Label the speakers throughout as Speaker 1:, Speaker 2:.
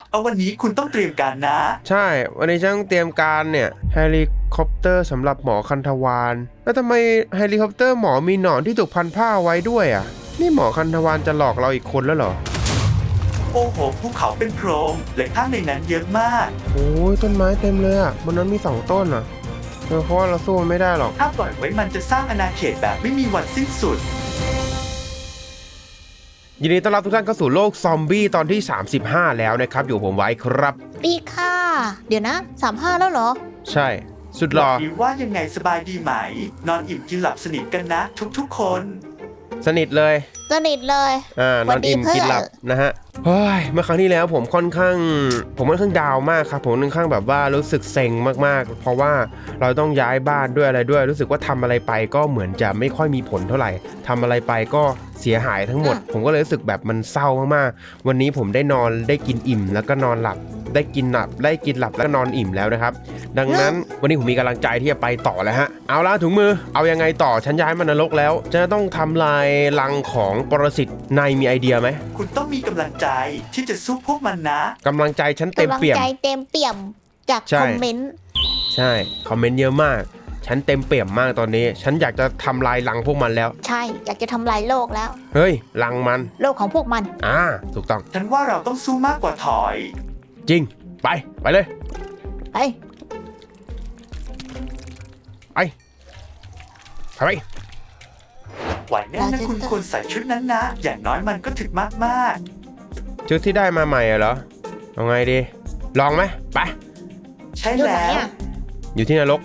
Speaker 1: เอาวันนี้คุณต้องเตรียมการนะ
Speaker 2: ใช่วันนี้ฉันต้องเตรียมการเนี่ยเฮลิคอปเตอร์สำหรับหมอคันธวารแล้วทำไมเฮลิคอปเตอร์หมอมีหนอนที่ถูกพันผ้าไว้ด้วยอ่ะนี่หมอคันธวารจะหลอกเราอีกคนแล้วเหรอ
Speaker 1: โอ้โหภูเขาเป็นโพรงและข้างในนั้นเยอะมาก
Speaker 2: โอ้ยต้นไม้เต็มเลยอ่ะบนนั้นมี2 ต้นอ่ะเพราะว่าเราสู้มันไม่ได้หรอก
Speaker 1: ถ้าปล่อยไว้มันจะสร้างอาณาเขตแบบไม่มีวันสิ้นสุด
Speaker 2: ยินดีต้อนรับทุกท่านเข้าสู่โลกซอมบี้ตอนที่35แล้วนะครับอยู่ผมไว้ครับ
Speaker 3: ดีค่ะเดี๋ยวนะ35แล้วเหรอ
Speaker 2: ใช่สุดหล่อ
Speaker 1: ว่ายังไงสบายดีไหมนอนอิ่มกินหลับสนิทกันนะทุกๆคน
Speaker 2: สนิทเลย
Speaker 3: สนิทเลย
Speaker 2: นอนอิ่มกินหลับนะฮะเฮ้ยเมื่อครั้งที่แล้วผมค่อนข้างดาวมากครับผมค่อนข้างแบบว่ารู้สึกเซ็งมากๆเพราะว่าเราต้องย้ายบ้านด้วยอะไรด้วยรู้สึกว่าทำอะไรไปก็เหมือนจะไม่ค่อยมีผลเท่าไหร่ทำอะไรไปก็เสียหายทั้งหมดผมก็เลยรู้สึกแบบมันเศร้ามากๆวันนี้ผมได้นอนได้กินอิ่มแล้วก็นอนหลับได้กินหลับแล้วก็นอนอิ่มแล้วนะครับดังนั้นวันนี้ผมมีกำลังใจที่จะไปต่อแล้วฮะเอาละถุงมือเอายังไงต่อฉันย้ายมานรกแล้วจะต้องทำลายรังของปรสิตนายมีไอเดียไหม
Speaker 1: คุณต้องมีกำลังใจที่จะสู้พวกมันนะ
Speaker 2: กำลังใจฉันเต็มเปี่ยม
Speaker 3: กำลังใจเต็มเปี่ยมจากคอมเมนต์
Speaker 2: ใช่คอมเมนต์เยอะมากฉันเต็มเปี่ยมมากตอนนี้ฉันอยากจะทำลายรังพวกมันแล้ว
Speaker 3: ใช่อยากจะทำลายโลกแล้ว
Speaker 2: เฮ้ยรังมัน
Speaker 3: โลกของพวกมัน
Speaker 2: ถูกต้อง
Speaker 1: ฉันว่าเราต้องสู้มากกว่าถอย
Speaker 2: จริงไปเลย
Speaker 3: ไป
Speaker 1: ไหวแน่นะคุณควรใส่ชุดนั้นนะอย่างน้อยมันก็ถึกมาก
Speaker 2: ชุดที่ได้มาใหม่เหรอเอาไงดีลองไหมไป
Speaker 1: ใช่แล้ว
Speaker 2: อยู่ที่นรก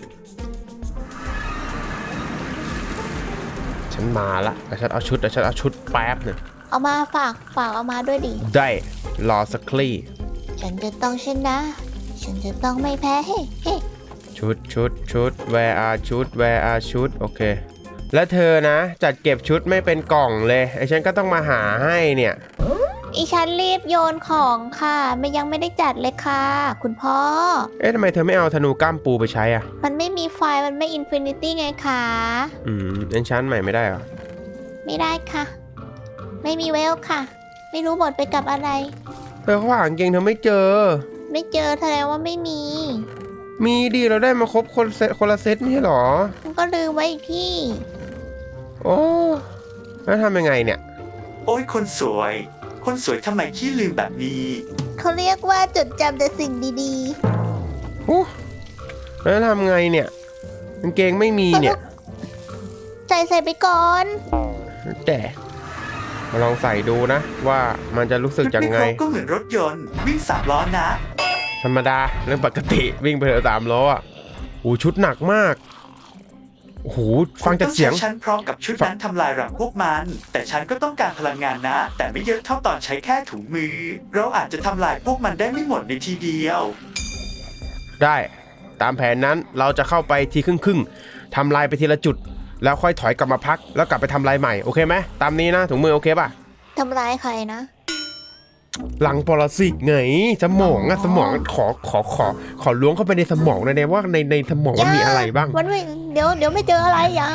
Speaker 2: ฉันมาละแต่ฉันเอาชุดแป๊บหนึ่ง
Speaker 3: เอามาฝากเอามาด้วยดิ
Speaker 2: ได้รอสักคลี่
Speaker 3: ฉันจะต้องชนะฉันจะต้องไม่แพ้เฮ้
Speaker 2: ชุด where are ชุดโอเคแล้วเธอนะจัดเก็บชุดไม่เป็นกล่องเลยไอ้ฉันก็ต้องมาหาให้เนี่ย
Speaker 3: อีฉันรีบโยนของค่ะยังไม่ได้จัดเลยค่ะคุณพ่อ
Speaker 2: ทำไมเธอไม่เอาธนูก้ามปูไปใช้อ่ะ
Speaker 3: มันไม่มีไฟมันไม่อินฟินิตี้ไงคะ
Speaker 2: เอนชานใหม่ไม่ได้เหรอ
Speaker 3: ไม่ได้ค่ะไม่มีเวลค่ะไม่รู้หมดไปกับอะไร
Speaker 2: เธอเขาหาเกงเธอไม่เจอ
Speaker 3: แสดงว่าไม่มี
Speaker 2: ดีเราได้มาครบคนละเซตไม่ใช่หรอ
Speaker 3: มันก็ลืมไว้อีกที่
Speaker 2: โอ้แล้วทำยังไงเนี่ย
Speaker 1: โอ้ยคนสวยทำไมขี้ลืมแบบนี้
Speaker 3: เขาเรียกว่าจดจำแต่สิ่งดี
Speaker 2: ๆโอ้แล้วทำไงเนี่ยกางเกงไม่มีเนี่ย
Speaker 3: ใส่ไปก่อน
Speaker 2: แต่มาลองใส่ดูนะว่ามันจะรู้สึกยังไง
Speaker 1: ก็เหมือนรถยนต์วิ่ง3 ล้อนะ
Speaker 2: ธรรมดาเรื่องปกติวิ่งไปเถอะ3 ล้ออ่ะโอ้ชุดหนักมากโอ้โหฟังจากเสียง
Speaker 1: ฉันพร้อมกับชุดนั้นทำลายรังพวกมันแต่ฉันก็ต้องการพลังงานนะแต่ไม่เยอะเท่าตอนใช้แค่ถุงมือเราอาจจะทำลายพวกมันได้ไม่หมดในทีเดียว
Speaker 2: ได้ตามแผนนั้นเราจะเข้าไปทีครึ่งทำลายไปทีละจุดแล้วค่อยถอยกลับมาพักแล้วกลับไปทำลายใหม่โอเคไหมตามนี้นะถุงมือโอเคป่ะ
Speaker 3: ทำลายใครนะ
Speaker 2: หลังปรสิตไงสมองขอล้วงเข้าไปในสมองเลยว่าในสมองมันมีอะไรบ้าง
Speaker 3: มันไม่เดี๋ยวไม่เจออะไรอย่า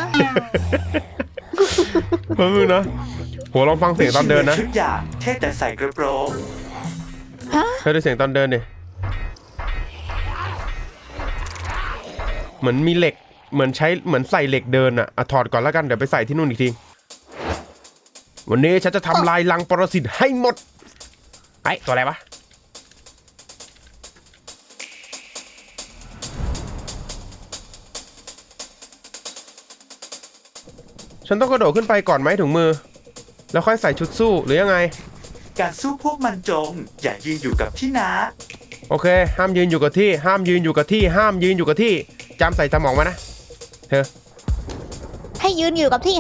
Speaker 2: เออนะหัวลองฟังเสียงตอนเดินนะ
Speaker 1: ชุดอย่างเท่แต่ใส่กระโปรง
Speaker 2: เคยได้เสียงตอนเดินดิเหมือนมีเหล็กเหมือนใส่เหล็กเดินอ่ะถอดก่อนแล้วกันเดี๋ยวไปใส่ที่นู่นอีกทีวันนี้ฉันจะทำลายรังปรสิตให้หมดไอ้ตัวอะไรวะฉันต้องกระโดดขึ้นไปก่อนไหมถุงมือแล้วค่อยใส่ชุดสู้หรือยังไง
Speaker 1: การสู้พวกมันจงอย่ายืนอยู่กับที่นะ
Speaker 2: โอเคห้ามยืนอยู่กับที่จำใส่สมองมานะเธอ
Speaker 3: ให้ยืนอยู่กับที่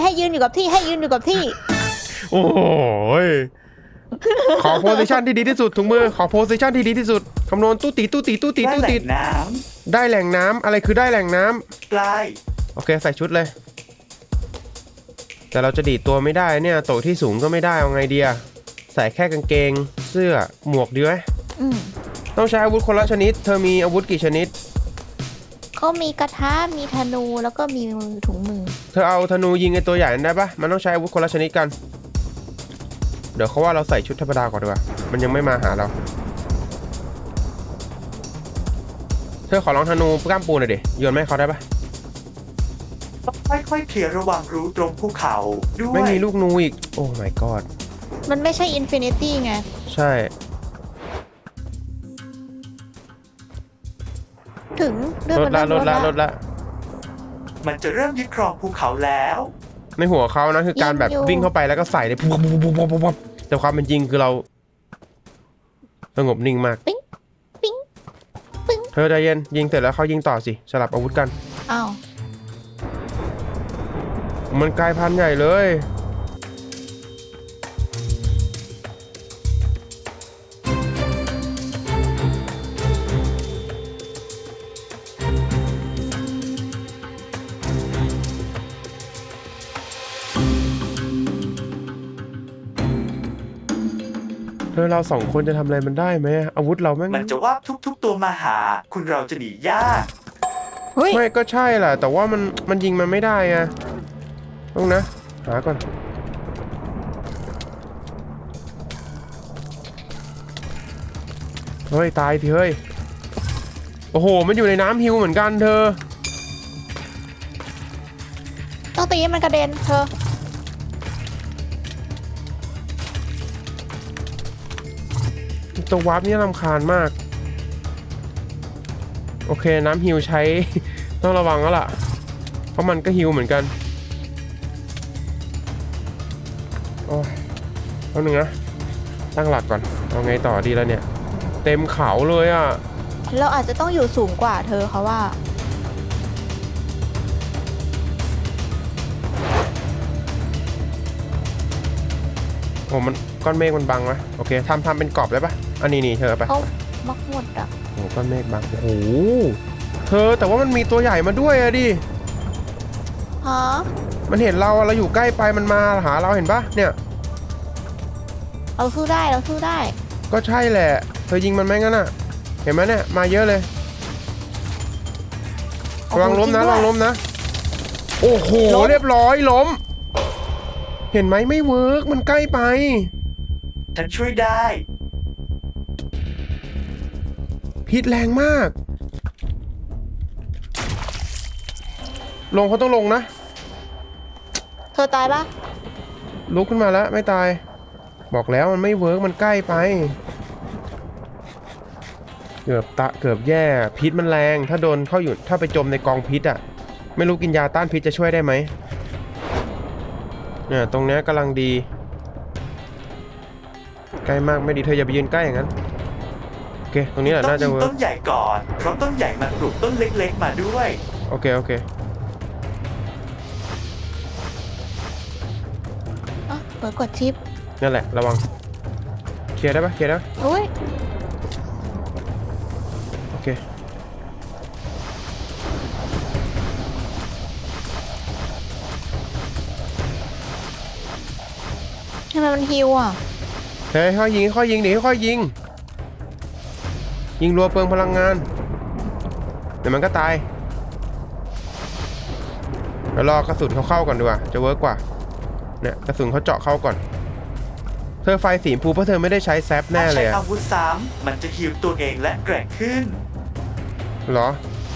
Speaker 2: โอ้ยขอโพสิชันที่ดีที่สุดถุงมือขอโพสิชันที่ดีที่สุดคำนวณตู้ตีได้แหล่งน้ำอะไรคือได้แหล่งน้
Speaker 1: ำปลาย
Speaker 2: โอเคใส่ชุดเลยแต่เราจะดีดตัวไม่ได้เนี่ยโตที่สูงก็ไม่ได้เอาไงดีอะใส่แค่กางเกงเสื้อหมวกดีไหมต้องใช้อาวุธคนละชนิดเธอมีอาวุธกี่ชนิด
Speaker 3: ก็มีกระทะมีธนูแล้วก็มีถุงมือ
Speaker 2: เธอเอาธนูยิงไอตัวใหญ่นั้นได้ปะมันต้องใช้อาวุธคนละชนิดกันเดี๋ยวเขาว่าเราใส่ชุดธรรมดาก่อนดีกว่ามันยังไม่มาหาเราเธอขอลองธนูกล้ามปูหน่อยดิโยนไม่ให้เขาได้ปะ
Speaker 1: ต้องค่อยๆเคลียร์ระหว่างรูตรงภูเขาด้วย
Speaker 2: ไม่มีลูกนูอีกโอ้ my god
Speaker 3: มันไม่ใช่อินฟินิตี้ไง
Speaker 2: ใช่
Speaker 3: ถึงเลือด
Speaker 2: ล
Speaker 3: มั
Speaker 2: ด
Speaker 3: น
Speaker 2: ละ
Speaker 3: เริ่ม
Speaker 2: ลดละ
Speaker 1: มันจะเริ่มยึดครองภูเขาแล้ว
Speaker 2: ในหัวเขานะคือการแบบวิ่งเข้าไปแล้วก็ใส่เลยปุ๊บปุ๊บปุ๊บปุ๊บปุ๊บแต่ความเป็นจริงคือเราสงบนิ่งมาก
Speaker 3: ปิ๊งปิ๊งปิ๊ง
Speaker 2: เธอใจเย็นยิงเสร็จแล้วเขายิงต่อสิสลับอาวุธกัน
Speaker 3: อ้าว
Speaker 2: มันกลายพันธุ์ใหญ่เลยเธอเราสองคนจะทำอะไรมันได้ไหมอาวุธเราแม่ง
Speaker 1: มันจะวาบทุกๆตัวมาหา คุณเราจะหนียาก
Speaker 3: เฮ้ย
Speaker 2: ไม่ก็ใช่แหละแต่ว่ามันยิงมันไม่ได้ไงต้องนะหาก่อนเฮ้ยตายสิเฮ้ยโอ้โหมันอยู่ในน้ำฮิวเหมือนกันเธอ
Speaker 3: ต้องตีให้มันกระเด็นเธอ
Speaker 2: ตัววาร์ปนี่รำคาญมาก โอเคน้ำฮิวใช้ ต้องระวังแล้วล่ะ เพราะมันก็ฮิวเหมือนกันโอ้ยแป๊บนึงนะตั้งหลักก่อนเอาไงต่อดีแล้วเนี่ย เต็มเขาเลยอ่ะ
Speaker 3: เราอาจจะต้องอยู่สูงกว่าเธอเขาว่า
Speaker 2: โอ้มันก้อนเมฆมันบังไหมโอเคทำเป็นกรอบได้ปะอันนี้นี่เธอไป
Speaker 3: เขามักหมดอ่ะ
Speaker 2: โอ้ก้อนเมฆบังโอ้โหเธอแต่ว่ามันมีตัวใหญ่มาด้วยอะดิ
Speaker 3: ฮะ
Speaker 2: มันเห็นเราเราอยู่ใกล้ไปมันมาหาเราเห็นปะเนี่ย
Speaker 3: เราสู้ได้เราสู้ได้
Speaker 2: ก็ใช่แหละเธอยิงมันไหมงั้นอ่ะเห็นไหมเนี่ยมาเยอะเลย
Speaker 3: โอ้โห
Speaker 2: ระวังล้มนะ
Speaker 3: จริงด้วย
Speaker 2: ระวังล้มนะโอ้โห
Speaker 3: ล้ม
Speaker 2: เรียบร้อยล้ม เห็นไหมไม่เวิร์กมันใกล้ไป
Speaker 1: ฉันช่วยได้
Speaker 2: พิษแรงมาก ลงเขาต้องลงนะ
Speaker 3: เธอตายปะ
Speaker 2: ลุกขึ้นมาแล้วไม่ตาย บอกแล้วมันไม่เวิร์กมันใกล้ไป เกือบแย่พิษมันแรงถ้าโดนเข้าอยู่ถ้าไปจมในกองพิษอ่ะไม่รู้กินยาต้านพิษจะช่วยได้ไหมเนี่ยตรงเนี้ยกำลังดีใกล้มากไม่ดีเธออย่าไปยืนใกล้อย่างนั้นโอเคตรงนี้แหละ
Speaker 1: ต้อง
Speaker 2: น่าจะ
Speaker 1: ยิง
Speaker 2: เวิร์
Speaker 1: ต้
Speaker 2: ก
Speaker 1: นใหญ่ก่อน เพราะต้นใหญ่มันปลูกต้นเล็กๆมาด้วย
Speaker 2: โอเค
Speaker 3: อ่ะเปิดกดชิป
Speaker 2: นั่นแหละระวังเคลียร์ได้ปะเคลียร์ได้ปะ
Speaker 3: อุ้ย
Speaker 2: โอเค
Speaker 3: ทำไมมันฮิวอ่ะ
Speaker 2: เฮ้ยค่อยยิงดิค่อยยิงยิงรัวเปลืองพลังงานเดี๋ยวมันก็ตายเดี๋ยวรอกระสุนเขาเข้าก่อนดีกว่าจะเวิร์กกว่าเนี่ยกระสุนเขาเจาะเข้าก่อนเธอไฟสีชมพูเพราะเธอไม่ได้ใช้แซปแน่
Speaker 1: ถ้า
Speaker 2: เล
Speaker 1: ใช้
Speaker 2: ยอะ
Speaker 1: อาวุธซ้ำมันจะฮิวตัวเองและแกร่งขึ้น
Speaker 2: เหรอ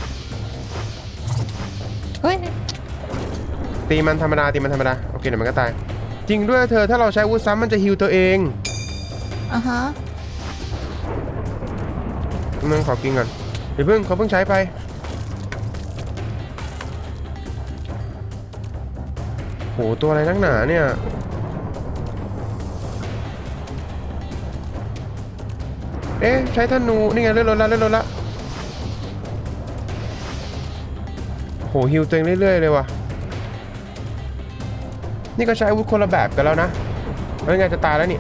Speaker 3: เฮ้ย
Speaker 2: ตีมันธรรมดาโอเคเดี๋ยวมันก็ตายจริงด้วยเธอถ้าเราใช้อาวุธซ้ำมันจะฮิวตัวเอง
Speaker 3: อ่ะฮะ
Speaker 2: มึงขอกินก่อนเดี๋ยวเขาเพิ่งใช้ไปโหตัวอะไรนักหนาเนี่ยเอ๊ะใช้ธนูนี่ไงเลื่อนรถละโหฮิวตัวเองเรื่อยๆเลยว่ะนี่ก็ใช้อาวุธคนละแบบกันแล้วนะแล้วไงจะตายแล้วนี่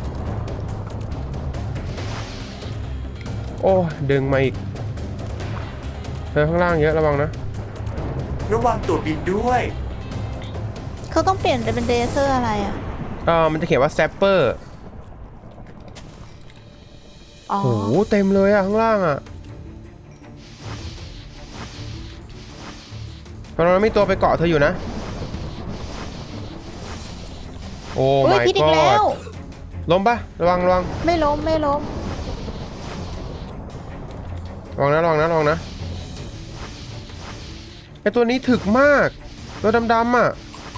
Speaker 2: โอ้ดึงมาอีกเธอข้างล่างเยอะระวังนะ
Speaker 1: ระวังตัวบินด้วย
Speaker 3: เขาต้องเปลี่ยนไปเป็นเดเซอร์อะไรอ่ะ
Speaker 2: มันจะเขียนว่าแซปเปอร์
Speaker 3: อ๋อ
Speaker 2: โหเต็มเลยอะข้างล่างอะตอนนั้นมีตัวไปเกาะเธออยู่นะโอ้
Speaker 3: อุ้ย
Speaker 2: my
Speaker 3: พิษอีกแล้
Speaker 2: god
Speaker 3: ว
Speaker 2: ล้มปะระวัง
Speaker 3: ไม่ล้ม
Speaker 2: ระวังนะไอตัวนี้ถึกมากตัวดำๆอ่ะ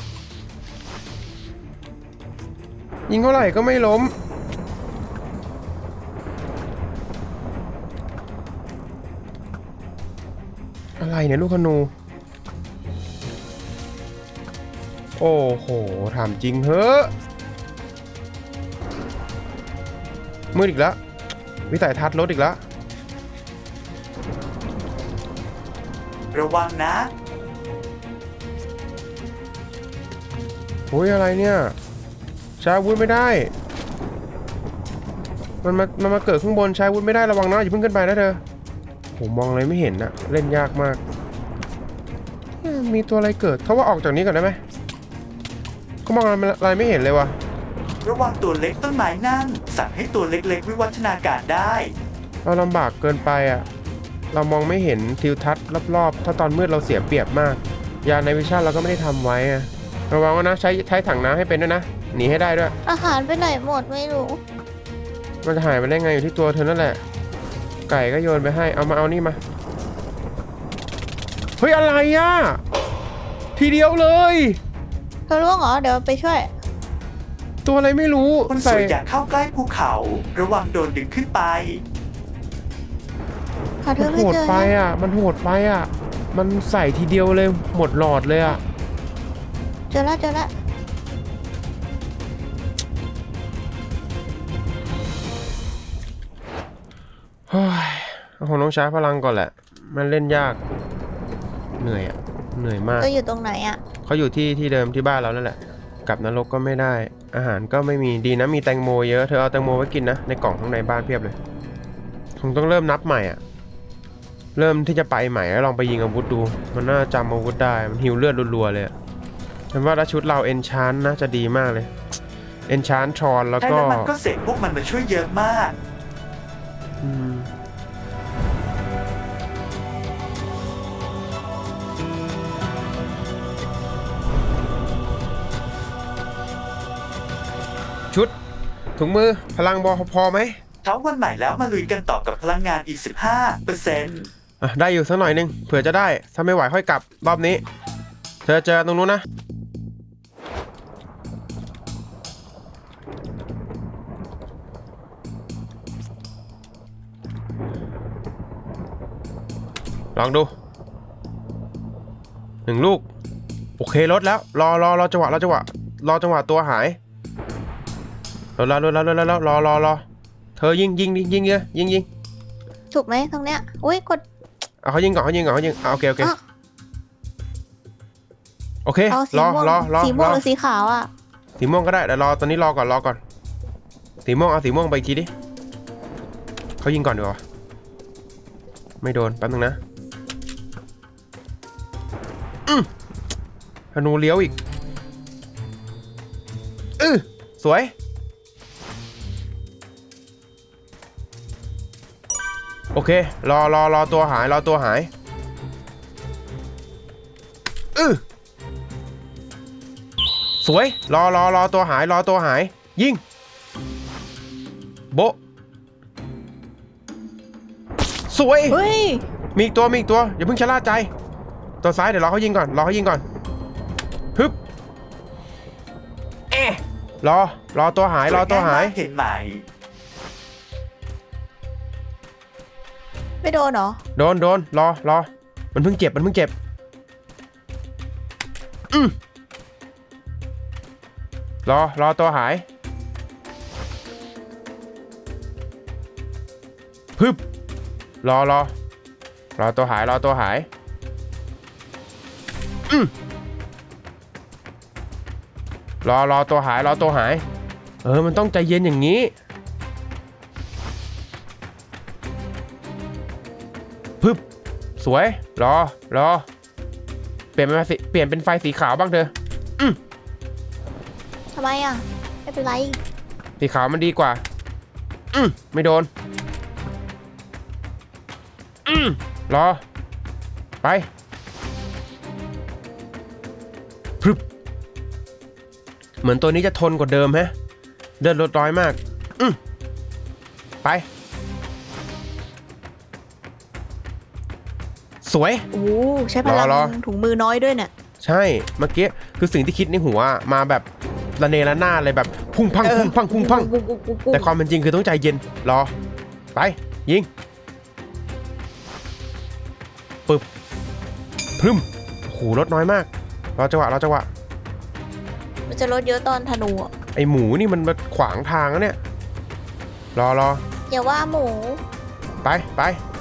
Speaker 2: ยิงเท่าไหร่ก็ไม่ล้มอะไรเนี่ยลูกธนูโอ้โหถามจริงเฮ้อมืดอีกแล้ววิสัยทัศน์ลดอีกแล้ว
Speaker 1: ระวังนะ
Speaker 2: โอ้ยอะไรเนี่ยใช้อาวุธไม่ได้มันมาเกิดข้างบนใช้อาวุธไม่ได้ระวังนะอย่าเพิ่งขึ้นไปนะเธอผมมองอะไรไม่เห็นนะเล่นยากมากมีตัวอะไรเกิดเขาว่าออกจากนี้ก่อนได้ไหมเขามองอะไรไม่เห็นเลยวะ
Speaker 1: ระวังตัวเล็กต้นไม้นั่นสั่งให้ตัวเล็กๆวิวัฒนาการได้
Speaker 2: เราลำบากเกินไปอ่ะเรามองไม่เห็นทิวทัศน์รอบๆถ้าตอนมืดเราเสียเปรียบมากยาในวิชาเราก็ไม่ได้ทำไว้อะระวังนะใช้ถังน้ำให้เป็นด้วยนะหนีให้ได้ด้วย
Speaker 3: อาหารไปไหนหมดไม่รู้
Speaker 2: มันจะหายไปได้ไงอยู่ที่ตัวเธอนั่นแหละไก่ก็โยนไปให้เอานี่มาเฮ้ยอะไรอ่ะทีเดียวเลย
Speaker 3: เธอรู้เหรอเดี๋ยวไปช่วย
Speaker 2: ตัวอะไรไม่รู้
Speaker 1: คนสวยอย่าเข้าใกล้ภูเขา ระวังโดนดึงขึ้นไป
Speaker 3: หาเธ
Speaker 2: มั
Speaker 3: อน
Speaker 2: โห
Speaker 3: ไม่
Speaker 2: ด
Speaker 3: เจอ
Speaker 2: ไปอ่ะมันโหดไปอ่ะมันใส่ทีเดียวเลยหมดหลอดเลยอ่ะ
Speaker 3: เจอแล้วเจอแล้ว
Speaker 2: เฮ้ยคงต้องใช้พลังก่อนแหละมันเล่นยากเหนื่อยอ่ะเหนื่อยมาก
Speaker 3: เธออยู่ตรงไหนอ่ะ
Speaker 2: เขาอยู่ที่เดิมที่บ้านเรานั่นแหละกลับนรกก็ไม่ได้อาหารก็ไม่มีดีนะมีแตงโมเยอะเธอเอาแตงโมไว้กินนะในกล่องข้างในบ้านเพียบเลยคงต้องเริ่มนับใหม่อ่ะเริ่มที่จะไปใหม่แล้วลองไปยิงอาวุธดูมันน่าจำอาวุธได้มันหิวเลือดรัวๆเลยฉันว่าถ้าชุดเราเอนชานน่าจะดีมากเลยเอนชานทรอนแล้ว
Speaker 1: แค่
Speaker 2: ก็
Speaker 1: นั้นมันก็เสกพวกมันมาช่วยเยอะมาก
Speaker 2: อืมชุดถุงมือพลังบอพอไหม
Speaker 1: เช้าวันใหม่แล้วมาลุยกันต่อกับพลังงานอีก 15%
Speaker 2: อ่ะได้อยู่สักหน่อยนึงเผื่อจะได้ถ้าไม่ไหวค่อยกลับรอบนี้เธอเจอตรงนู้นนะลองดู1 ลูกโอเคลดแล้วรอจังหวะตัวหายรอเธอยิงเลยยิง
Speaker 3: ถูกไหมตรงเนี้ยอุ้ยกด
Speaker 2: เอาเขายิงก่อนโอเค
Speaker 3: อ่ะ
Speaker 2: โอเค
Speaker 3: เอาสี
Speaker 2: รอ
Speaker 3: ม่วง
Speaker 2: รอ
Speaker 3: สีม่วงหรือสีขาวอ่ะ
Speaker 2: สีม่วงก็ได้แต่ตอนนี้รอก่อนสีม่วงเอาสีม่วงไปอีกทีดิเขายิงก่อนดีกว่าไม่โดนแป๊บนึงนะธนูเลี้ยวอีกสวยโอเครอตัวหายสวยรอตัวหายยิงโบะสวย
Speaker 3: เฮ้ย
Speaker 2: มีอีกตัวอย่าเพิ่งชะล่าใจตัวซ้ายเดี๋ยวรอเขายิงก่อนฮึบรอตัวหาย
Speaker 1: เห็นไหม
Speaker 3: ไม่โดนเหรอ
Speaker 2: โดนรอมันเพิ่งเจ็บรอตัวหายพึบรอตัวหายรอตัวหายมันต้องใจเย็นอย่างนี้พึบสวยรอเปลี่ยนเป็นไฟสีขาวบ้างเถอะ
Speaker 3: ทำไมอ่ะไม่เป็นไร
Speaker 2: สีขาวมันดีกว่าไม่โดนรอไปพึบเหมือนตัวนี้จะทนกว่าเดิมฮะเดินลดร้อยมากไปสวย
Speaker 4: โอ้ใช้พลัง
Speaker 2: รอ
Speaker 4: ถุงมือน้อยด้วยเนี่ย
Speaker 2: ใช่เมื่อกี้คือสิ่งที่คิดในหัวมาแบบระเนระนาดเลยแบบพุ่งพังพุ่งพังพุ่งพังแต่ความเป็นจริงคือต้องใจเย็นรอไปยิงปึ๊บพรึมโอ้โหรถน้อยมากรอจังหวะ
Speaker 4: มันจะลดเยอะตอนธนูอะ
Speaker 2: ไอหมูนี่มันมาขวางทางแล้วเนี่ยรอ
Speaker 3: อย่าว่าหมู
Speaker 2: ไป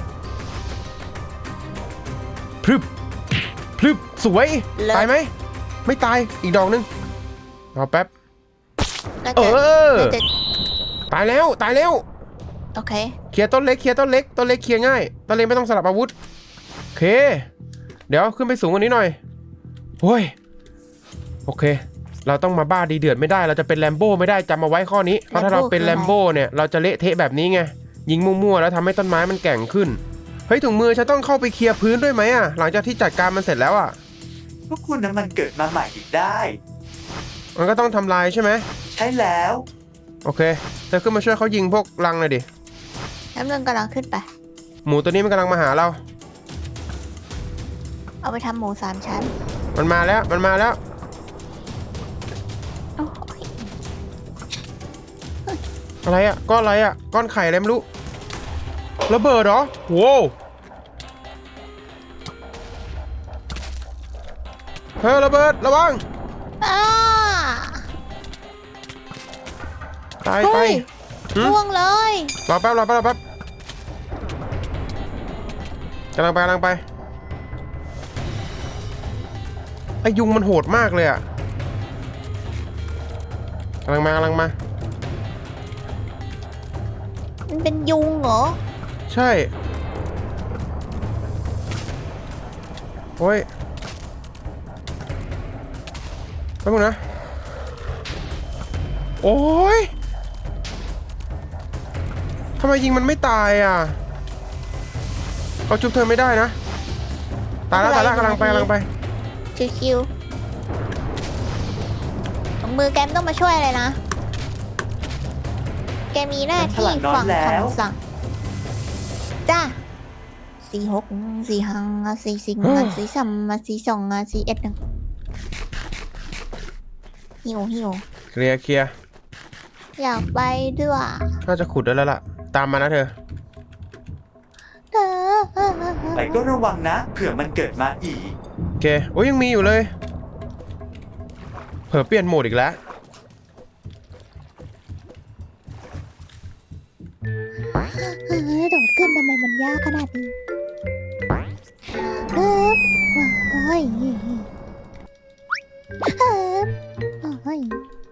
Speaker 2: พรึบสวยตายไหมไม่ตายอีกดอกนึงรอแป๊บ
Speaker 4: น่า
Speaker 2: เอ
Speaker 4: จะ
Speaker 2: อ
Speaker 4: น่าจะ
Speaker 2: ตายแล้ว
Speaker 4: โอเค
Speaker 2: เคลียร์ต้นเล็กเคลียร์ง่ายต้นเล็กไม่ต้องสลับอาวุธโอเคเดี๋ยวขึ้นไปสูงกว่านี้หน่อยโอ้ยโอเค เราต้องมาบ้าดีเดือดไม่ได้เราจะเป็นแลมโบ้ไม่ได้จำเอาไว้ข้อนี้เพราะถ้าเราเป็นแลมโบ้เนี่ยเราจะเละเทะแบบนี้ไงยิงมั่วๆแล้วทำให้ต้นไม้มันแกร่งขึ้นเฮ้ยถุงมือฉันต้องเข้าไปเคลียร์พื้นด้วยไหมอ่ะหลังจากที่จัดการมันเสร็จแล้วอ่ะ
Speaker 1: พวกคุณนั้นมันเกิดมาใหม่อีกได้
Speaker 2: มันก็ต้องทำลายใช่ไหม
Speaker 1: ใช่แล้ว
Speaker 2: โอเคเธอขึ้นมาช่วยเขายิงพวกรังหน่อยดิ
Speaker 4: น้ำเงินกำลังขึ้นไป
Speaker 2: หมูตัวนี้มันกำลังมาหาเรา
Speaker 4: เอาไปทำหมู3 ชั้น
Speaker 2: มันมาแล้ว
Speaker 4: โอ้ย
Speaker 2: อะไรอ่ะก้อนอะไรอ่ะก้อนไข่อะไรไม่รู้ระเบิดเหรอโว้วเฮ้ยระเบิดระวัง
Speaker 3: อ้า
Speaker 2: ตายไป
Speaker 4: เฮ้ย
Speaker 2: หืม
Speaker 3: ล่วงเลย
Speaker 2: รอแป๊บกำลังไปไอยุงมันโหดมากเลยอ่ะกำลังมา
Speaker 3: มันเป็นยุงเหรอ
Speaker 2: ใช่โอ้ยแป๊บนึงนะโอ้ยทำไมยิงมันไม่ตายอ่ะเขาจุบเธอไม่ได้นะตายแล้วกำลังไป
Speaker 3: ชิวๆถุงมือแกไม่ต้องมาช่วยเลยนะ แกมีหน้าที่ฟังคำสั่ง จ้า46 45 44 43 42 41หิว
Speaker 2: เคลียร์
Speaker 3: อยากไปด้วย
Speaker 2: น่าจะขุดได้แล้วล่ะตามมานะเธอ
Speaker 1: ไปก็ระวังนะ เผื่อมันเกิดมาอีก
Speaker 2: โอเคโอ้ยยังมีอยู่เลยเผลอเปลี่ยนโหมดอีกแล้ว
Speaker 3: โดดขึ้นทำไมมันยากขนาดนี้เฮ้ยเฮ้ยเฮ้ย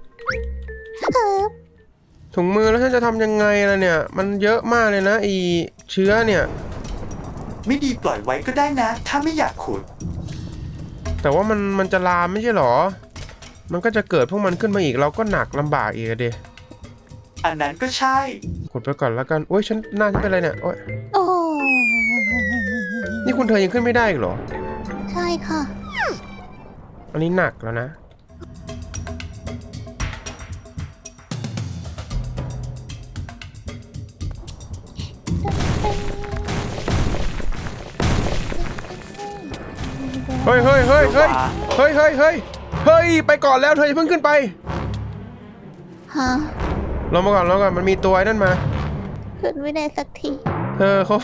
Speaker 2: ถุงมือแล้วฉันจะทำยังไงล่ะเนี่ยมันเยอะมากเลยนะอีเชื้อเนี่ย
Speaker 1: ไม่ดีปล่อยไว้ก็ได้นะ ถ้าไม่อยากขุด
Speaker 2: แต่ว่ามันจะลามไม่ใช่หรอ มันก็จะเกิดพวกมันขึ้นมาอีกเราก็หนักลำบากอีกอะดิ
Speaker 1: อันนั้นก็ใช่
Speaker 2: ขุดไปก่อนแล้วกันโอ้ยฉันหน้าฉันเป็นอะไรเนี่ยโอ้ย
Speaker 3: โอ้
Speaker 2: นี่คุณเธอยังขึ้นไม่ได้อีกเหรอ
Speaker 3: ใช่ค่ะ
Speaker 2: อันนี้หนักแล้วนะเฮ้ยไปก่อนแล้วเธออย่าเพิ่งขึ้นไป
Speaker 3: ฮะ
Speaker 2: ลงมาก่อนมันมีตัวไอ้นั่นมา
Speaker 3: ขึ้นไม่ได้สักที
Speaker 2: เธอเขา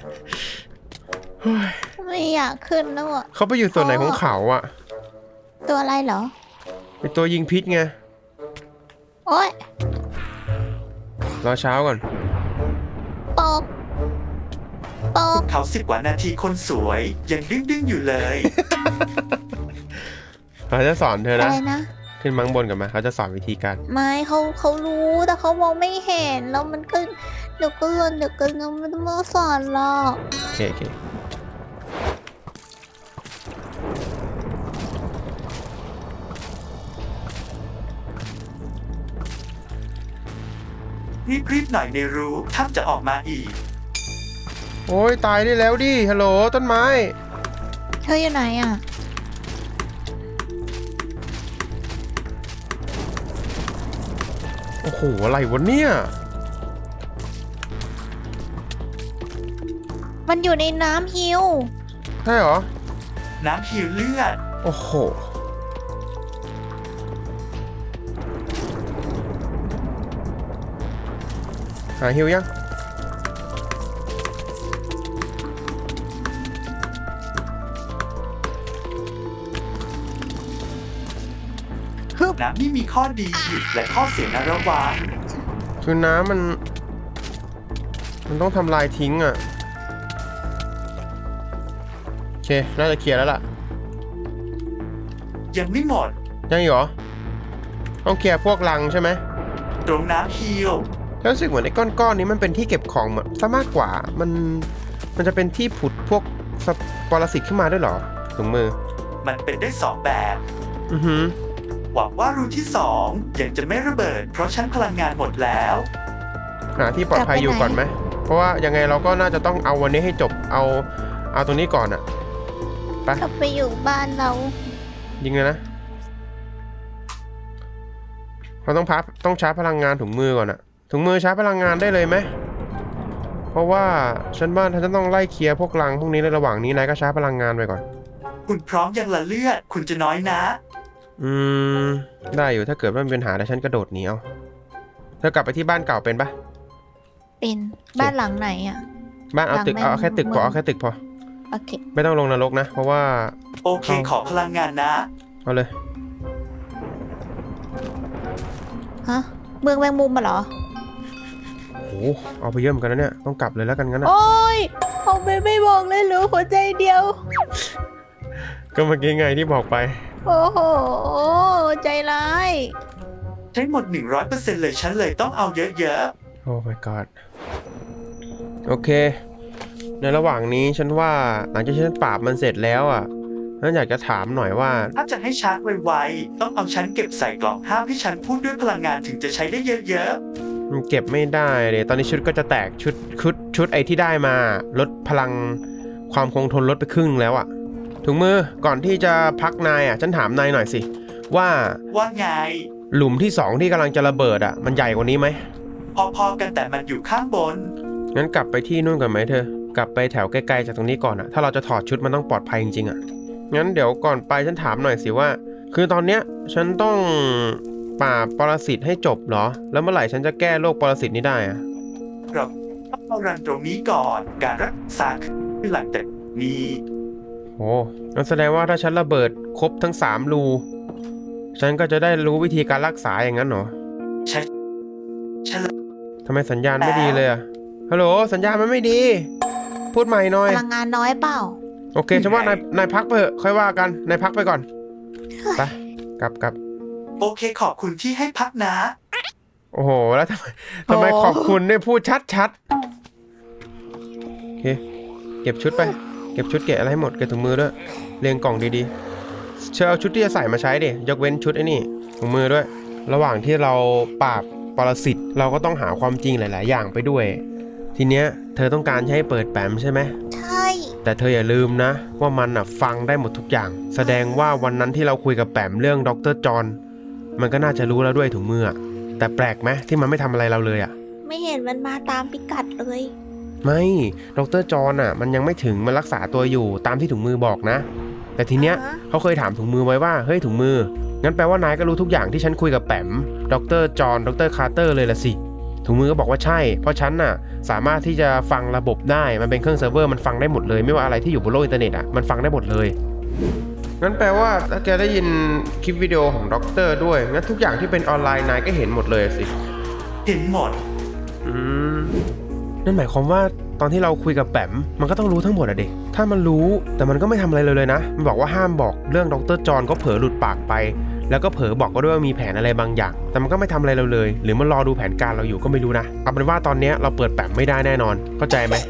Speaker 3: ไม่อยากขึ้นแล้วอ่ะ
Speaker 2: เขาไปอยู่ส่วนไหนของเขาอะ
Speaker 3: ตัวอะไรเหรอ
Speaker 2: เป็นตัวยิงพิษไง
Speaker 3: โอ๊ย
Speaker 2: รอเช้าก่อน
Speaker 3: ปอกปอก
Speaker 1: เขา10 กว่านาทีคนสวย ยังดึงอยู่เลย
Speaker 2: เขาจะสอนเธอ
Speaker 3: อะ
Speaker 2: นะ
Speaker 3: ไรนะ
Speaker 2: ขึ้นมังบนกันมาเขาจะสอนวิธีการ
Speaker 3: ไม่เขารู้แต่เขามองไม่เห็นแล้วมันก็เดี๋ยวก็ไม่ต้องมาสอนหรอก
Speaker 2: โอเค
Speaker 1: รีบหน่อยในรู้ถ้าจะออกมาอีก
Speaker 2: โอ้ยตายได้แล้วดิฮัลโหลต้นไม้
Speaker 3: เธออยู่ไหนอ่ะ
Speaker 2: โอ้โหอะไรวะเนี่ย
Speaker 3: มันอยู่ในน้ำฮิว
Speaker 2: ใช่เหรอ
Speaker 1: น้ำฮีลเลือด
Speaker 2: โอ้โห หาฮิวยัง
Speaker 1: น้ำนี่มีข้อดีและข้อเสียนะระวัง
Speaker 2: คือน้ำมันต้องทำลายทิ้งอ่ะ โอเค น่าจะเคลียร์แล้วล่ะ
Speaker 1: ยังไม่หมด
Speaker 2: ยังอีกเหรอ ต้องเคลียร์พวกรังใช่ไหม
Speaker 1: ตรงน้ำฮีล
Speaker 2: แล้วรู้สึกเหมือนไอ้ก้อนๆนี้มันเป็นที่เก็บของซะมากกว่า มันจะเป็นที่ผุดพวกปรสิตขึ้นมาด้วยเหรอถุงมือ
Speaker 1: มันเป็นได้2 แบบ
Speaker 2: อือหือ
Speaker 1: หวังว่ารูที่2ยังจะไม่ระเบิด เพราะชั้นพลังงานหมดแล้ว
Speaker 2: หาที่ปลอดภัยอยู่ก่อนไหม เพราะว่ายังไงเราก็น่าจะต้องเอาวันนี้ให้จบ เอาตรงนี้ก่อนอะไป
Speaker 3: กลับไปอยู่บ้านเรา
Speaker 2: ยิงเลยนะ เราต้องชาร์จพลังงานถุงมือก่อนอะถุงมือชาร์จพลังงานได้เลยไหม เพราะว่าฉันบ้านฉันจะต้องไล่เคลียร์พวกรังพวกนี้ในระหว่างนี้นายก็ชาร์จพลังงานไปก่อน
Speaker 1: คุณพร้อมยังละเลือด คุณจะน้อยนะ
Speaker 2: ได้อยู่ถ้าเกิดว่ามีปัญหาแต่ฉันกระโดดหนีเอาเธอกลับไปที่บ้านเก่าเป็นปะ
Speaker 3: เป็นบ้านหลังไหนอ่ะ
Speaker 2: บ้านเอาตึก
Speaker 3: หลัง
Speaker 2: เอาแค่ตึกพอ
Speaker 3: เมือง
Speaker 2: เอาแค่ตึกพอ
Speaker 3: โอเค
Speaker 2: ไม่ต้องลงนรกนะ เพราะว่า
Speaker 1: โอเคขอพลังงานนะ
Speaker 2: เอาเลย
Speaker 3: ฮะ เมืองแมงมุมมาเหรอ
Speaker 2: โอ้โหเอาไปเยอะเหมือนกันนะเนี่ยต้องกลับเลยแล้วกันงั้นนะ
Speaker 3: โอ้ยเอาไปไม่บอกเลยเหรือหัวใจเดียว
Speaker 2: ก็เมื่อกี้ไงที่บอกไป
Speaker 3: โอ้โห ใจร้าย
Speaker 1: ใช้หมด 100% เลยฉันเลยต้องเอาเยอะ
Speaker 2: โอ้ my god โอเค ในระหว่างนี้ฉันว่าหลังจากฉันปราบมันเสร็จแล้วอ่ะฉันอยากจะถามหน่อยว่า
Speaker 1: ๆ ถ้าจะให้ชาร์จไวๆ ต้องเอาฉันเก็บใส่กล่องห้ามให้ฉันพูดด้วยพลังงานถึงจะใช้ได้เยอะ
Speaker 2: มันเก็บไม่ได้เลยตอนนี้ชุดก็จะแตกชุดไอที่ได้มาลดพลังความคงทนลดไปครึ่งแล้วอ่ะถุงมือก่อนที่จะพักนายอ่ะฉันถามนายหน่อยสิว่า
Speaker 1: ๆ ว่าไง
Speaker 2: หลุมที่2ที่กำลังจะระเบิดอ่ะมันใหญ่กว่านี้ไหม
Speaker 1: พอๆกันแต่มันอยู่ข้างบน
Speaker 2: งั้นกลับไปที่นู่นก่อนไหมเธอกลับไปแถวใกล้ๆจากตรงนี้ก่อนอ่ะถ้าเราจะถอดชุดมันต้องปลอดภัยจริงๆอ่ะงั้นเดี๋ยวก่อนไปฉันถามหน่อยสิว่า คือตอนเนี้ยฉันต้องปราบปรสิตให้จบเหรอแล้วเมื่อไหร่ฉันจะแก้โรคปรสิตนี้ได้อ่ะ
Speaker 1: เราต้องเอารันตรงนี้ก่อน การรักษาคือหลังจากนี้
Speaker 2: โอ้งั้นแสดงว่าถ้าฉันระเบิดครบทั้ง3รูฉันก็จะได้รู้วิธีการรักษาอย่างนั้นเหรอ
Speaker 1: ฉัน
Speaker 2: ทำไมสัญญาณไม่ดีเลยอะฮัลโหลสัญญาณมันไม่ดี พูดใหม่หน่อย
Speaker 3: พลังงานน้อยเปล่า
Speaker 2: โอเคฉันว่านายพักไปเถอะค่อยว่ากันนายพักไปก่อนไปกลับ
Speaker 1: โอเคขอบคุณที่ให้พักนะ
Speaker 2: โอ้โหแล้วทำไมขอบคุณเนี่ยพูดชัดโอเคเก็บชุดไปเก็บชุดเก็บอะไรให้หมดเก็บถุงมือด้วยเรียงกล่องดีๆเชิญเอาชุดที่จะใส่มาใช้ดิยกเว้นชุดไอ้นี่ถุงมือด้วย ระหว่างที่เราปราบปรสิตเราก็ต้องหาความจริงหลายๆอย่างไปด้วย ทีเนี้ยเธอต้องการให้เปิดแปมใช่ไหม
Speaker 3: ใช่
Speaker 2: แต่เธออย่าลืมนะว่ามันฟังได้หมดทุกอย่างแสดงว่าวันนั้นที่เราคุยกับแปมเรื่องดร.จอห์นมันก็น่าจะรู้แล้วด้วยถุงมือแต่แปลกไหมที่มันไม่ทำอะไรเราเลยอ่ะ
Speaker 3: ไม่เห็นมันมาตามพิกัดเลย
Speaker 2: ไม่ดร.จอห์นมันยังไม่ถึงมันรักษาตัวอยู่ตามที่ถุงมือบอกนะแต่ทีเนี้ย เขาเคยถามถุงมือไว้ว่าเฮ้ยถุงมืองั้นแปลว่านายก็รู้ทุกอย่างที่ฉันคุยกับแปมดร.จอห์นดร.คาร์เตอร์เลยละสิถุงมือก็บอกว่าใช่เพราะฉันสามารถที่จะฟังระบบได้มันเป็นเครื่องเซิร์ฟเวอร์มันฟังได้หมดเลยไม่ว่าอะไรที่อยู่บนโลกอินเทอร์เน็ตมันฟังได้หมดเลยงั้นแปลว่าถ้าแกได้ยินคลิปวิดีโอของด็อกเตอร์ด้วยงั้นทุกอย่างที่เป็นออนไลน์นายก็เห็นหมดเลยสิ
Speaker 1: เห็นหมด
Speaker 2: นั่นหมายความว่าตอนที่เราคุยกับแปมมันก็ต้องรู้ทั้งหมดอะเด็กถ้ามันรู้แต่มันก็ไม่ทำอะไรเลยนะมันบอกว่าห้ามบอกเรื่องดร.จอห์นก็เผลอหลุดปากไปแล้วก็เผลอบอกก็ด้วยว่ามีแผนอะไรบางอย่างแต่มันก็ไม่ทำอะไรเราเลยหรือมันรอดูแผนการเราอยู่ก็ไม่รู้นะเอาเป็นว่าตอนนี้เราเปิดแปมไม่ได้แน่นอนเข้าใจไหม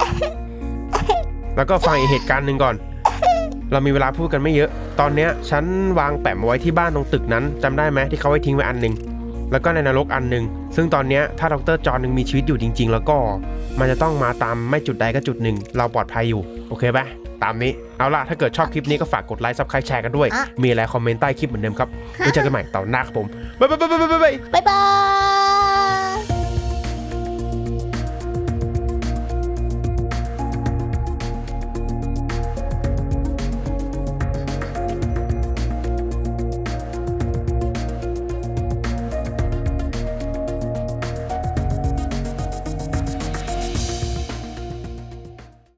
Speaker 2: แล้วก็ฟังอีกเหตุการณ์หนึ่งก่อนเรามีเวลาพูดกันไม่เยอะตอนนี้ฉันวางแปมไว้ที่บ้านตรงตึกนั้นจำได้ไหมที่เขาไว้ทิ้งไว้อันนึงแล้วก็ในนรกอันนึงซึ่งตอนนี้ถ้าดร.จอห์นยังมีชีวิตอยู่จริงๆแล้วก็มันจะต้องมาตามไม่จุดใดก็จุดหนึ่งเราปลอดภัยอยู่โอเคปะตามนี้เอาล่ะถ้าเกิดชอบคลิปนี้ก็ฝากกดไลค์ซับสไครป์แชร์กันด้วยมีอะไรคอมเมนต์ใต้คลิปเหมือนเดิมครับไว้เจอกันใหม่ตอนหน้าครับผมบ๊ายบาย
Speaker 3: บ๊ายบาย